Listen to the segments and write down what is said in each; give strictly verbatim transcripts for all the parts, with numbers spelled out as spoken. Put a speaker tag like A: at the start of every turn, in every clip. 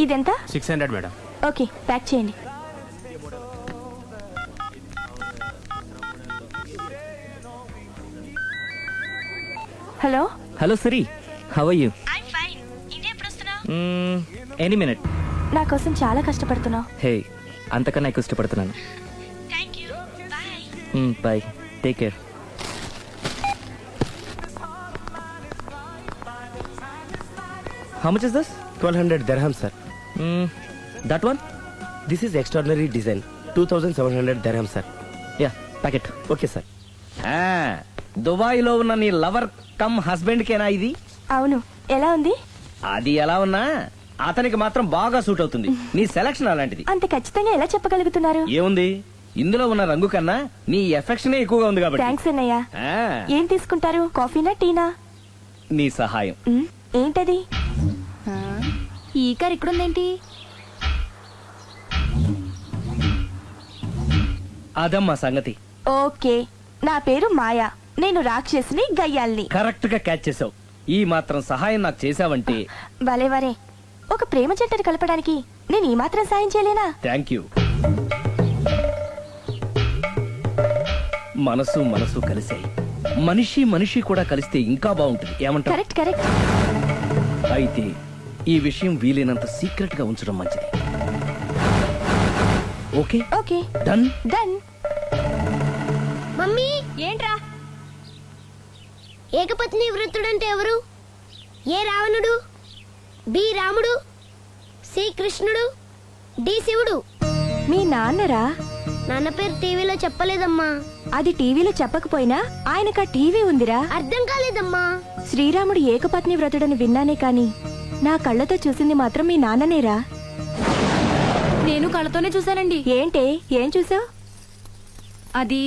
A: ఇదెంత?
B: Six hundred madam.
A: Okay, pack చేయండి. Hello
C: hello Siri, how are you?
A: I'm fine. India ఎప్పుడు వస్తున్నావు?
C: Any minute.
A: నా కోసం చాలా కష్టపడుతున్నావు.
C: హే, అంతకన్నా ఎక్కువ ఇష్టపడుతున్నాను.
A: Thank you. Bye.
C: Bye, take care. How much is this?
D: twelve hundred dirhams, sir.
C: Mm, that one?
D: This is extraordinary design. two thousand seven hundred dirhams, sir.
C: Yeah, pack it.
D: Okay, sir.
E: Dubai లో ఉన్న నీ lover come husband కేనా ఇది?
A: అవును. ఎలా ఉంది?
E: అది ఎలా ఉన్నా అతనికి మాత్రం బాగా సూట్ అవుతుంది. నీ సెలక్షన్ అలాంటిది.
A: అంత ఖచ్చితంగా ఎలా చెప్పగలుగుతున్నారు?
E: ఏముంది, ఇందులో ఉన్న రంగు కన్నా నీ ఎఫెక్షనే ఎక్కువగా ఉంది కాబట్టి.
A: థ్యాంక్స్ అన్నయ్య.
E: ఆ,
A: ఏం తీసుకుంటారు? కాఫీనా టీనా?
E: నీ సహాయం.
A: మ్, ఏంటది?
F: ఈ కార్ ఇక్కడుందేంటి?
E: అదమ్మా సంగతి.
A: ఓకే, నా పేరు మాయా. నేను రాక్షసిని, గయ్యాల్ని.
E: కరెక్ట్ గా క్యాచ్ చేసావు. ఈ మాత్రం సహాయం నాకు చేసావంటే.
A: భలే వరే. ఒక ప్రేమ జంటను కలపడానికి నేను ఈ మాత్రం సాయం చేయలేనా?
E: Thank you. మనసు మనసు కలిసాయి. మనిషి మనిషి కూడా కలిస్తే ఇంకా బాగుంటుంది. ఏమంటావు?
A: Correct correct.
E: అయితే ఈ విషయం వీలైనంత సీక్రెట్ గా ఉంచడం మంచిది. Okay
A: okay,
E: done.
A: Done.
F: Mummy,
A: ఏంట్రా?
F: ఏకపత్ని వృత్తుడంటే ఎవరు? ఏ రావణుడు, బి రాముడు, సి కృష్ణుడు, డి శివుడు.
A: మీ నాన్నరా?
F: నాన్న పేరు టీవీలో చెప్పలేదమ్మా.
A: అది టీవీలో చెప్పకపోయినా ఆయనకా టీవీ ఉందిరా.
F: అర్థం కాలేదమ్మా.
A: శ్రీరాముడు ఏకపత్ని వ్రతుడని విన్నానే కాని నా కళ్ళతో చూసింది మాత్రం మీ నాన్ననేరా.
G: నేను కళ్ళతోనే చూశానండి.
A: ఏంటే, ఏం చూసావు?
G: అది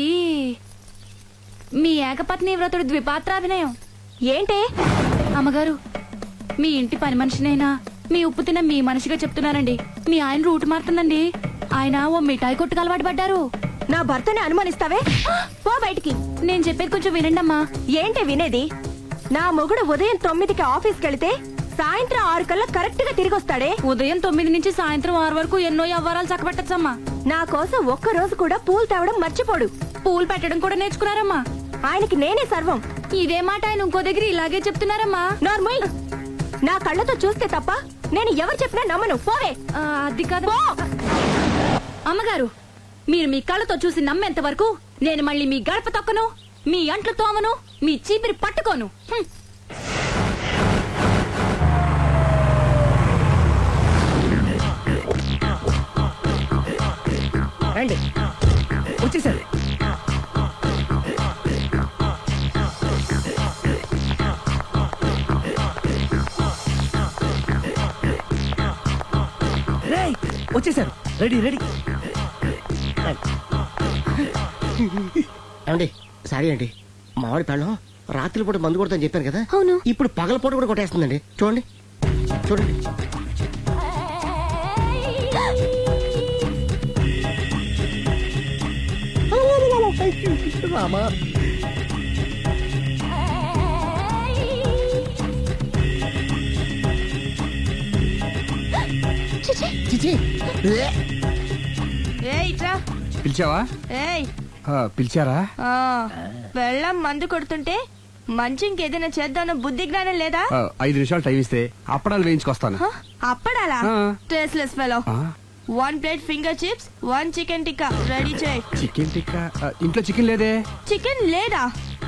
G: మీ ఏకపత్ని వ్రతుడు ద్విపాత్రాభినయం.
A: ఏంటే?
G: అమ్మగారు, మీ ఇంటి పని మనిషినైనా మీ ఉప్పు తిన్న మీ మనిషిగా చెప్తున్నానండి. మీ ఆయన రూట్ మారుతుందండి. ఆయన ఓ మిఠాయి కొట్టుకు అలవాటు పడ్డారు.
A: నా భర్తని అనుమానిస్తావే? పో బయటికి.
G: నేను చెప్పేది కొంచెం వినండి అమ్మా.
A: ఏంటి వినేది? నా మొగుడు ఉదయం తొమ్మిదికి ఆఫీస్కి వెళితే సాయంత్రం ఆరు కల్లా కరెక్ట్ గా తిరిగి వస్తాడే.
G: ఉదయం తొమ్మిది నుంచి సాయంత్రం ఆరు వరకు ఎన్నో వ్యవహారాలు చక్కబెట్టచ్చమ్మా.
A: నా కోసం ఒక్క రోజు కూడా పూలు తేవడం మర్చిపోడు.
G: పూలు పెట్టడం కూడా నేర్చుకున్నారమ్మా.
A: ఆయనకి నేనే సర్వం.
G: ఇదే మాట ఆయన ఇంకో దగ్గర ఇలాగే చెప్తున్నారమ్మా.
A: నార్మల్. నా కళ్ళతో చూస్తే తప్ప నేను ఎవరు చెప్పినా నమ్మను. పోవే.
G: ఆ, అది కాదు అమ్మగారు. మీరు మీ కళ్ళతో చూసి నమ్మేంత వరకు నేను మళ్ళీ మీ గడప తొక్కను, మీ అంట్లు తోమను, మీ చీపిరి పట్టుకోను. హ్మ్.
E: రండి, వచ్చేసారు. రేయ్, వచ్చేసారు. Ready ready.
D: ఏమండి, సారీ అండి, మామిడి పెళ్ళం రాత్రి పూట మందు కొడతాను చెప్పాను కదా.
F: అవును.
D: ఇప్పుడు పగల పూట కూడా కొట్టేస్తుందండి. చూడండి చూడండి. రామా, చిచి.
B: పిలిచావా? ఆ, పిలిచారా?
A: వెళ్ళం మందు కొడుతుంటే మంచి ఇంకేదైనా చేద్దామన్న బుద్ధి జ్ఞానం లేదా?
B: ఆ, ఐదు నిమిషాలు టైం ఇస్తే అప్పడాలు వేయించుకొస్తాను.
A: హ? అప్పడాలా?
B: ఆ.
A: Tasteless fellow.
B: ఆ,
A: one plate finger chips, one chicken tikka ready చేయి.
B: చికెన్ టిక్కా? ఆ, ఇంట్లో చికెన్ లేదే.
A: చికెన్ లేదా?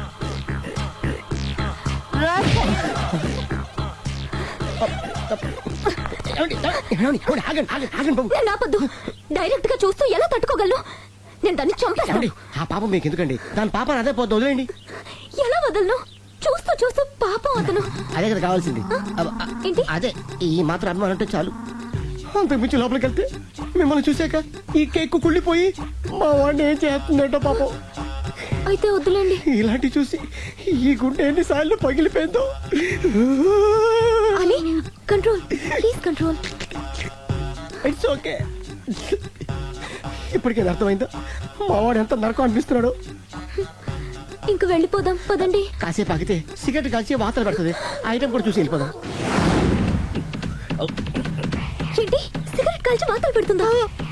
F: నేను ఆపొద్దు. డైరెక్ట్ గా చూస్తూ ఎలా తట్టుకోగలను? నేను దాన్ని చంపేస్తాను.
D: ఆ పాపం మీకు ఎందుకండి? దాని పాప అదే పోతుంది, వదిలేండి.
F: ఎలా వదలను? చూస్తూ చూస్తూ పాపం అతను.
D: అదే కదా కావాల్సింది. అబ్బ,
F: ఏంటి?
D: అదే ఈ మాత్రం అభిమానం అంటే చాలు. అంతకు మించి లోపలికి వెళ్తే మిమ్మల్ని చూసాక ఈ కేక్ కుళ్ళిపోయి మా వాడిని ఏం చేస్తుందంటో పాపం.
F: అయితే వద్దులేండి.
D: ఇలాంటి చూసి ఈ గుండె ఎన్నిసార్లు పగిలిపోయిందో.
F: అని control, please control.
D: It's okay. ఇప్పటికే అర్థమైందా మా వాడు ఎంత నరకం అనిపిస్తున్నాడు?
F: ఇంక వెళ్ళిపోదాం పదండి.
D: కాసేపు ఆగితే సిగరెట్ కాల్చి వాతలు పెడుతుంది. ఆ ఐటమ్ కూడా చూసి వెళ్ళిపోదాం.
F: ఏంటి సిగరెట్ కాల్చి వాతలు పెడుతుందా?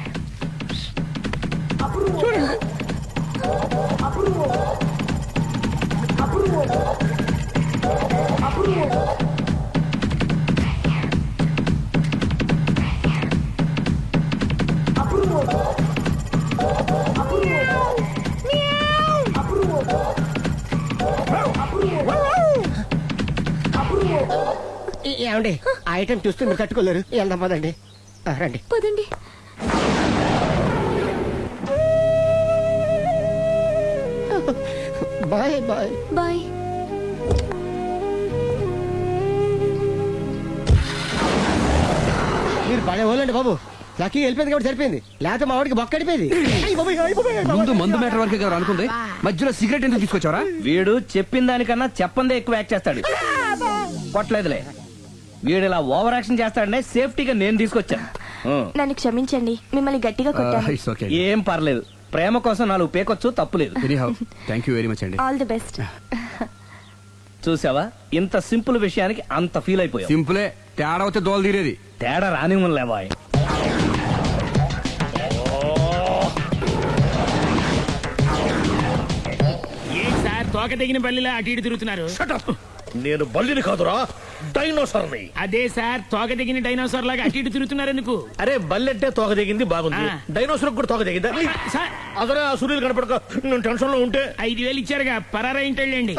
D: ఈ- ఏమండి ఆ ఐటమ్ చూస్తే మీరు తట్టుకోలేరు వెళ్దాం పదండి ఆ, రండి.
F: పదండి.
D: Bye bye.
F: బాయ్.
D: మీరు పడే వాళ్ళండి బాబు. లక్కీ వెళ్ళిపోయింది కాబట్టి సరిపోయింది, లేకపోతే మా వాడికి బొక్క అడిపోయింది.
B: ముందు మందు మ్యాటర్ వరకే కదా అనుకుంది, మధ్యలో సిగరెట్ ఎందుకు తీసుకొచ్చావరా?
E: వీడు చెప్పిన దానికన్నా చెప్పందే ఎక్కువ యాక్ట్ చేస్తాడు. కొట్టలేదులే, వీడు ఇలా ఓవర్ యాక్షన్ చేస్తాడనే సేఫ్టీగా నేను తీసుకొచ్చాను. ఆ.
A: నన్ను క్షమించండి, మిమ్మల్ని గట్టిగా కొట్టాను.
B: It's okay.
E: ఏం పర్లేదు, ప్రేమ కోసం నాలుగు పేకొచ్చు, తప్పులేదు.
B: Anyhow thank you very much అండి.
A: All the best.
E: చూసావా, ఇంత సింపుల్ విషయానికి అంత ఫీల్ అయిపోయావు.
B: సింపులే, తేడా వస్తే దోలు తీరేది.
E: తేడా రానివ్వలే బాయ్.
H: ఏం సార్ తోక తెగిన బల్లిలా అటు ఇటు తిరుగుతున్నారు?
I: నేను బల్లిని కాదురా, డైనోసార్ని.
H: అదే సార్ తోక తెగిన డైనోసార్ లాగా అటు ఇటు తిరుగుతున్నారు ఎందుకు?
I: అరే బల్లెట్టే తోక దిగింది బాగుంది,
H: ఆ.
I: డైనోసార్ కూడా తోక దిగిందా?
H: సార్
I: అదరే ఆ సూర్యులు కనపడక నేను టెన్షన్ లో ఉంటే.
H: ఐదు వేలు ఇచ్చారుగా, పరారా ఇంటండి.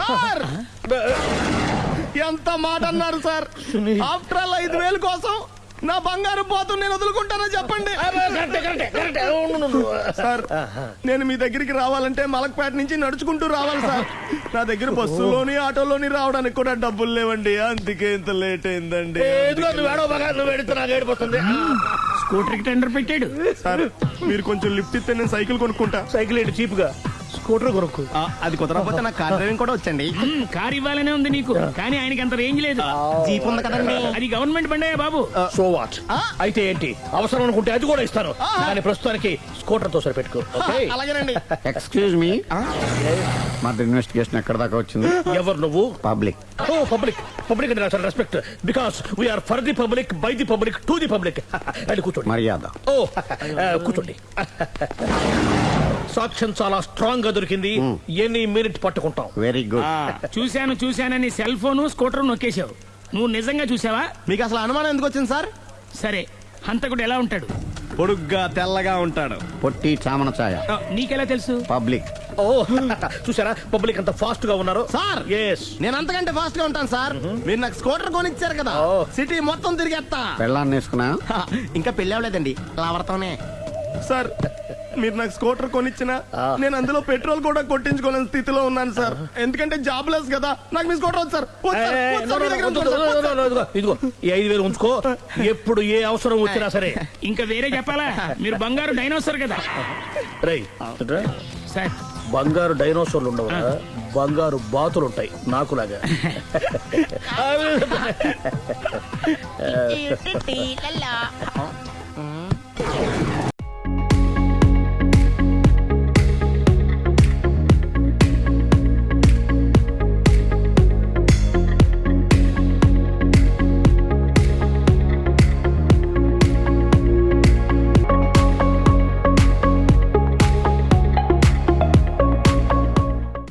D: ఎంత మాట అన్నారు సార్? ఆఫ్టర్ ఆల్ ఐదు వేలు కోసం నా బంగారు పోతు నేను వదులుకుంటానో చెప్పండి
I: కరెక్టే, కరెక్టే, కరెక్టే. అవును, అవును, అవును.
D: సార్. నేను మీ దగ్గరికి రావాలంటే మలక్పేట నుంచి నడుచుకుంటూ రావాలి సార్. నా దగ్గర బస్సులోని ఆటోలోని రావడానికి కూడా డబ్బులు లేవండి, అందుకే ఇంత లేట్ అయిందండి.
I: ఏ, ఇదిగో నువ్వు ఏడవ బాగా నువ్వు ఏడితే నాకు ఏడిపోతుంది.
H: స్కూటర్ కి టెండర్ పెట్టాడు.
D: సార్ మీరు కొంచెం లిఫ్ట్ ఇస్తే నేను సైకిల్ కొనుక్కుంటా.
I: సైకిల్ ఏంటి చీప్ గా, స్కూటర్ కొనుక్కు.
D: అది కుదరకపోతే నాకు కార్ డ్రైవింగ్ కూడా వచ్చండి.
H: మ్, కారు ఇవ్వాలనే ఉంది నీకు, కానీ ఆయనకి అంత రేంజ్ లేదు.
D: జీప్ ఉంది కదండి.
H: అది గవర్నమెంట్ బండయా బాబు.
I: So what? అయితే ఏంటి, అవసరం అనుకుంటే అది కూడా ఇస్తాను, కానీ ప్రస్తుతానికి స్కూటర్ తో సరిపెట్టుకో. ఓకే?
D: అలాగేనండి.
J: ఎక్స్క్యూజ్ మీ, మా ఇన్వెస్టిగేషన్ ఎక్కడ దాకా వచ్చింది?
I: ఎవరు నువ్వు?
J: పబ్లిక్.
I: ఓ పబ్లిక్, పబ్లిక్ అంటే నాకు respect, because we are for the public, by the public, to the public. అది కూర్చోండి.
J: మర్యాద.
I: ఓ ఆ, కూర్చోండి. సాక్ష్యం చాలా స్ట్రాంగ్ గా దొరికింది, ఎన్ని మినిట్ పట్టుకుంటాం.
J: Very good.
H: చూశాను చూశానని సెల్ ఫోను స్కూటర్ నొక్కేశావు. నువ్వు నిజంగా చూసావా?
D: మీకు అసలు అనుమానం ఎందుకు వచ్చింది సార్?
H: సరే, హంతకుడు ఎలా ఉంటాడు?
D: పొడుగ్గా తెల్లగా ఉంటాడు.
J: పొట్టి చామన ఛాయ.
H: ఆ, నీకెలా తెలుసు?
J: పబ్లిక్.
I: ఓ చూసారా పబ్లిక్ అంత ఫాస్ట్ గా ఉన్నారు.
D: సార్
I: ఎస్,
D: నేను అంతకంటే ఫాస్ట్ గా ఉంటాను సార్. మీరు నాకు స్కూటర్ కొనిచ్చారు కదా, సిటీ మొత్తం తిరిగేస్తా.
J: పెళ్ళాన్ని వేసుకున్నా?
D: ఇంకా పెళ్లి అవ్వలేదండి, లావర్తోనే. సార్ మీరు నాకు స్కూటర్ కొనిచ్చిన నేను అందులో పెట్రోల్ కూడా కొట్టించుకోలేని స్థితిలో ఉన్నాను సార్. ఎందుకంటే జాబ్ లెస్ కదా, నాకు మీ స్కూటర్ వద్దు సార్. వద్దు సార్, వద్దు సార్, మీ దగ్గర ఉంచుకోండి సార్, వద్దు సార్.
I: ఇదిగో ఇదిగో ఈ ఐదు వేలు ఉంచుకో, ఎప్పుడు ఏ అవసరం వచ్చినా సరే.
H: ఇంకా వేరే చెప్పాలా? మీరు బంగారు డైనోసార్ కదా.
I: రై
H: సార్
I: బంగారు డైనోసార్లు ఉండవు, బంగారు బాతులు ఉంటాయి నాకులాగా.